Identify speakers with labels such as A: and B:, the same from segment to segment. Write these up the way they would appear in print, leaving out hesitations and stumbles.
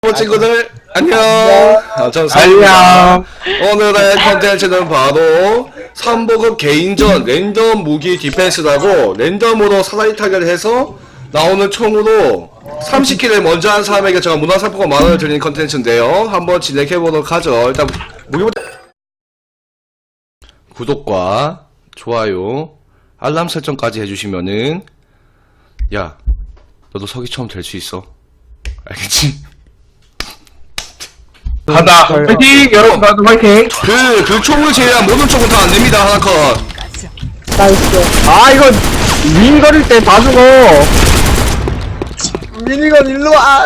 A: 친구들 안녕. 전 사입니다. 오늘의 컨텐츠는 바로 3보급 개인전 랜덤 무기 디펜스라고 랜덤으로 사다리 타기를 해서 나오는 총으로 30킬을 먼저 한 사람에게 제가 문화상품권 만원을 드리는 컨텐츠인데요. 한번 진행해보도록 하죠. 일단 무기부터 구독과 좋아요 알람 설정까지 해주시면은 야 너도 서기처럼 될 수 있어. 알겠지?
B: 간다. 파이팅! 여러분 다들 파이팅!
A: 그 총을 제외한 모든 총은 다 안됩니다. 하나 컷.
C: 나이스.
B: 아 이거 미니건일 때 다 죽어.
C: 미니건 일로 와.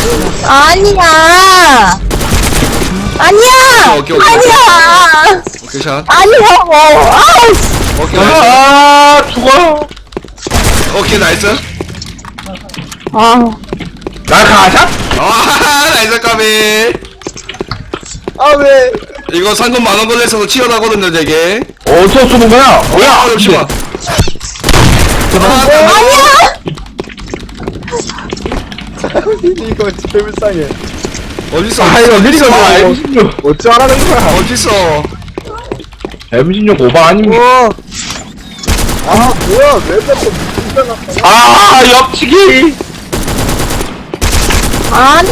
D: 아니야. 아니야.
A: 오케이.
D: 아니야.
A: 오케이 샷.
D: 아니라고. 아우.
A: 오케이 나이스.
B: 아 죽어.
A: 오케이 나이스.
D: 아우.
B: 나 가자.
A: 아 나이스 까비.
C: 아 왜?
A: 이거 상금 만원 걸려서 치열하거든요 되게.
B: 어디서 쏘는 거야? 뭐야?
A: 아 잠시만.
D: 아니야.
C: 미니건 제일 불쌍해.
A: 어딨어?
B: 아 이거 미니건 M16.
C: 어쩌라는 거야?
A: 어딨어?
B: M16 오바 아닙니까?
C: 아 뭐야? 왜 자꾸 미니건 나타나?
B: 아 옆치기.
D: 아니.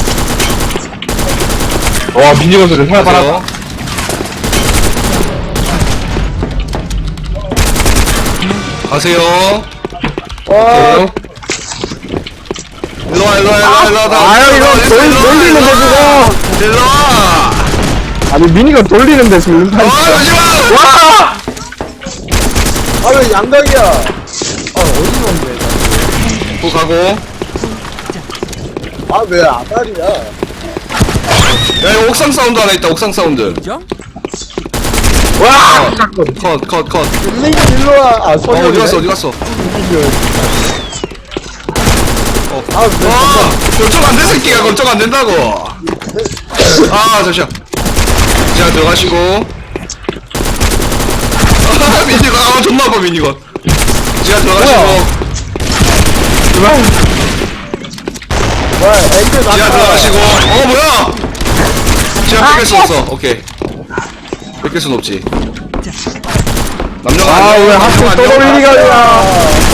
B: 와 미니건 소리 살아봐라.
A: 가세요.
C: 와.
A: 일로와.
B: 아유 이거 돌리는데 지금.
A: 일로와.
B: 아니 미니건 돌리는데 지금.
A: 잠시만.
B: 와!
C: 아 왜 양각이야? 아 어디서 온대?
A: 또 가고.
C: 아 왜 아다리야?
A: 야 이거 옥상 사운드 하나 있다. 옥상 사운드.
B: 와!
A: 컷.
C: 미니건 일로 와. 아 소리.
A: 어디 갔어?
C: 아 왜?
A: 걱정 안 돼 새끼야. 걱정 안 된다고. 아 잠시만. 자 들어가시고. 미니건 존나 아파 미니건. 자 들어가시고.
C: 와 앵글
A: 자
C: 나타.
A: 들어가시고. 뭐야? 자 뺏길 수 없어. 오케이. 뺏길 순 없지. 남녀가
B: 아 왜 하필 또 돌리니까.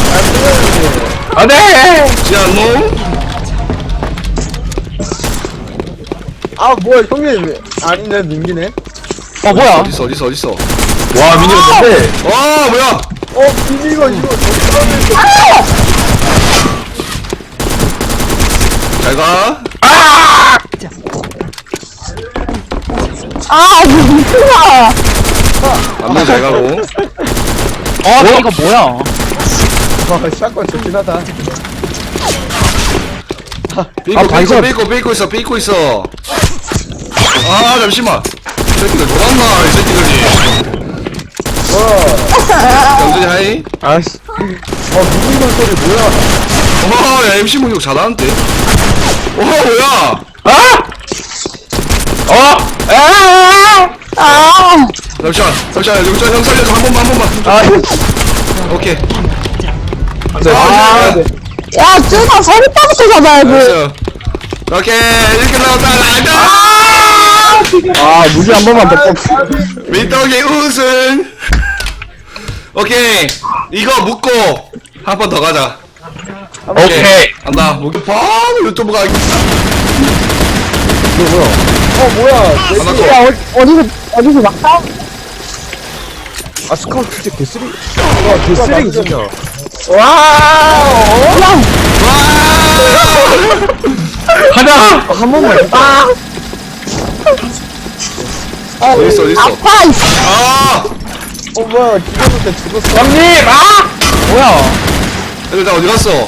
B: 안돼.
A: 지안 노.
C: 아 뭐야 형님? 아니네 민기네.
B: 뭐야?
A: 어딨어?
B: 와 미니건 뭔데?
A: 뭐야?
C: 미니건 이거 저기
A: 잘 가.
D: 아, 미친아.
A: 남녀 잘 가고.
B: 이거 뭐야?
C: 와 샷건 좋긴 하다.
A: 삐고 있어. 아 잠시만. 이 새끼들 돌았나 이 새끼들이. 영준이 하이.
B: 아씨.
C: 미니건 소리 뭐야?
A: 야 MC 목욕 잘하는데. 뭐야?
D: 아.
A: 잠시만 영준 형 살려줘 한 번만. 오케이.
D: 야, 쯔나 서리따부터 잡아야지.
A: 알았어. 오케이 이렇게 나왔다.
B: 무기 한 번만 더 뽑.
A: 민떡이 우승. 오케이 이거 묶고 한 번 더 가자.
B: 오케이.
A: 간다. 목이 바로 유튜브 가겠다.
C: 뭐야?
A: 하나 더.
D: 야, 어디서 막 싸워?
C: 아 스카우트 진짜 개쓰리. 와 개쓰레기 진짜.
B: 가자.
C: 한 번만.
A: 어딨어?
D: 아파, 이씨.
C: 뭐야 기다릴 때 죽었어.
B: 형님. 뭐야?
A: 애들 다 어디 갔어?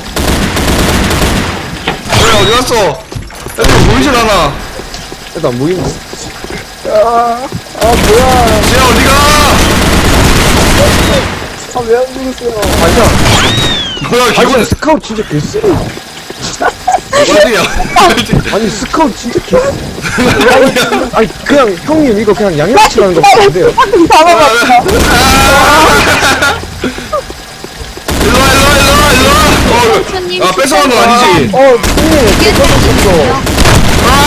A: 어디 갔어? 애들 보이질 않아.
C: 일단 무인데. 뭐야?
A: 지야 어디가?
C: 왜 안 죽었어요? 아니야.
A: 뭐야 기분
C: 스카우트 진짜 개쓰레기.
A: 어디야?
C: 아니 스카우트 진짜 개. 아니 그냥 형님 이거 그냥 양념치라는 거 같은데요.
D: 잡아봤어.
A: 일로와. 뺏어간 건 아니지?
C: 형님.
D: 이게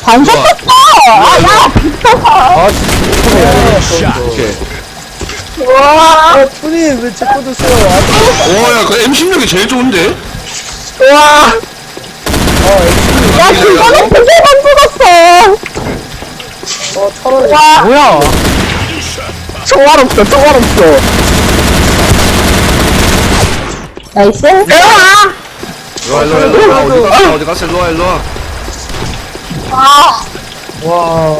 D: 반샷
A: 좋아.
D: 떴어! 아, 야! 미쳤어!
C: 아, 진짜.
A: 오케이.
D: 우와!
C: 아, 푸님, 왜제 거 드세요?
A: 오야 그 M16이 제일 좋은데?
D: 우와! 야, 그거는 그게만 죽었어!
C: 차라리.
D: 와,
B: 뭐야?
D: 총알 없어, 총알 없어. 나이스? 으아!
A: 일로와 어디 갔어 일로와
D: 아,
C: 와,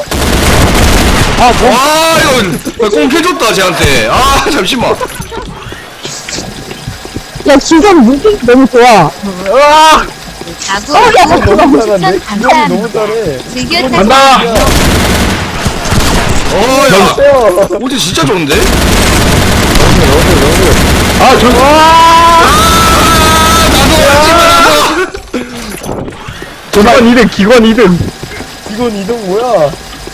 A: 와 이거 꽁패줬다 쟤한테 아 잠시만
D: 야, 지금 무기 너무 좋아. 으아!
E: 아구
D: 야,
C: 너무
E: 추천
C: 잘하네. 기억이 너무
E: 감사합니다.
C: 잘해.
E: 즐겨
B: 간다!
A: 어야
C: 세요.
A: 오지 진짜 좋은데?
B: 아, 저, 기관 2등, 기관 2등.
C: 이건 이동 뭐야?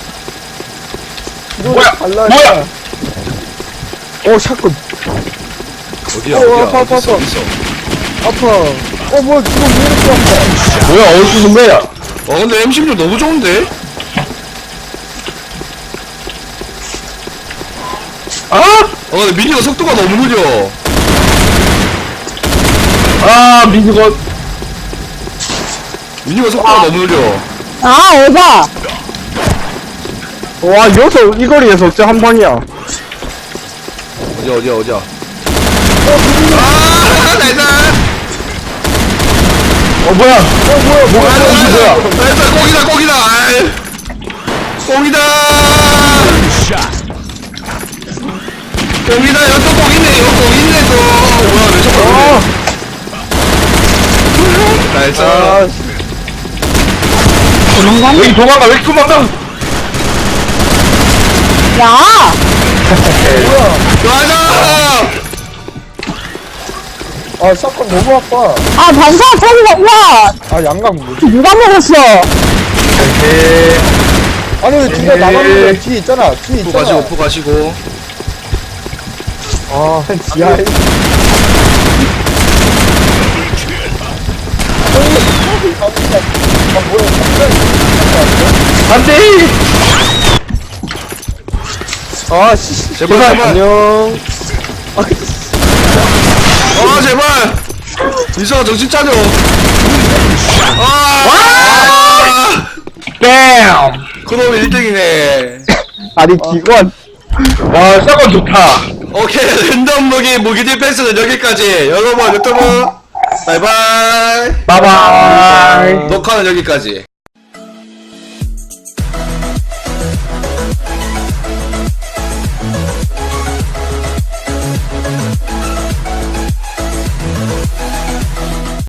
C: 이건
B: 뭐야?
C: 달라.
B: 뭐야?
C: 어, 샷건.
A: 어디야
C: 아파, 아파,
A: 어딨어
C: 아파.
A: 어딨어
C: 아파. 어, 뭐야, 지금 왜 이렇게 아파?
B: 뭐야, 어디서 쏜 거야?
A: 근데 M16 너무 좋은데? 근데 미니가 속도가 너무 느려
B: 아, 민수건.
A: 미니가 속도가 너무 느려
D: 아, 에바!
B: 와, 여기서, 이 거리에서 진짜 한 방이야.
A: 어디야 나이스
B: 뭐야? 뭐야?
A: 나이스 꼭이다 아이. 꼭이다 여기 또 꼭이네 또 뭐야 왜 자꾸 나이스
B: 왜 이렇게 도망가? 왜 이렇게 도망가?
D: 야!
A: 맞아
C: 아, 샷건 너무 아파.
D: 아, 반사 터지가, 야!
C: 아, 양강 뭐지?
D: 누가 먹었어?
C: 아니, 왜 뒤가 나가는 뒤에 있잖아. 뒤에
A: 푸
C: 있잖아.
A: 가시고
C: 아, 지하에.
B: 안 돼!
C: 아, 씨.
A: 제발
C: 안녕.
A: 제발 이성아 정신 차려 아
B: 뺨!
A: 그놈이 1등이네
B: 아니, 기관. 와, 샷건 좋다.
A: 오케이 랜덤 무기 디펜스는 여기까지 여러분 유튜브 바이바이
B: 바이바이.
A: 녹화는 여기까지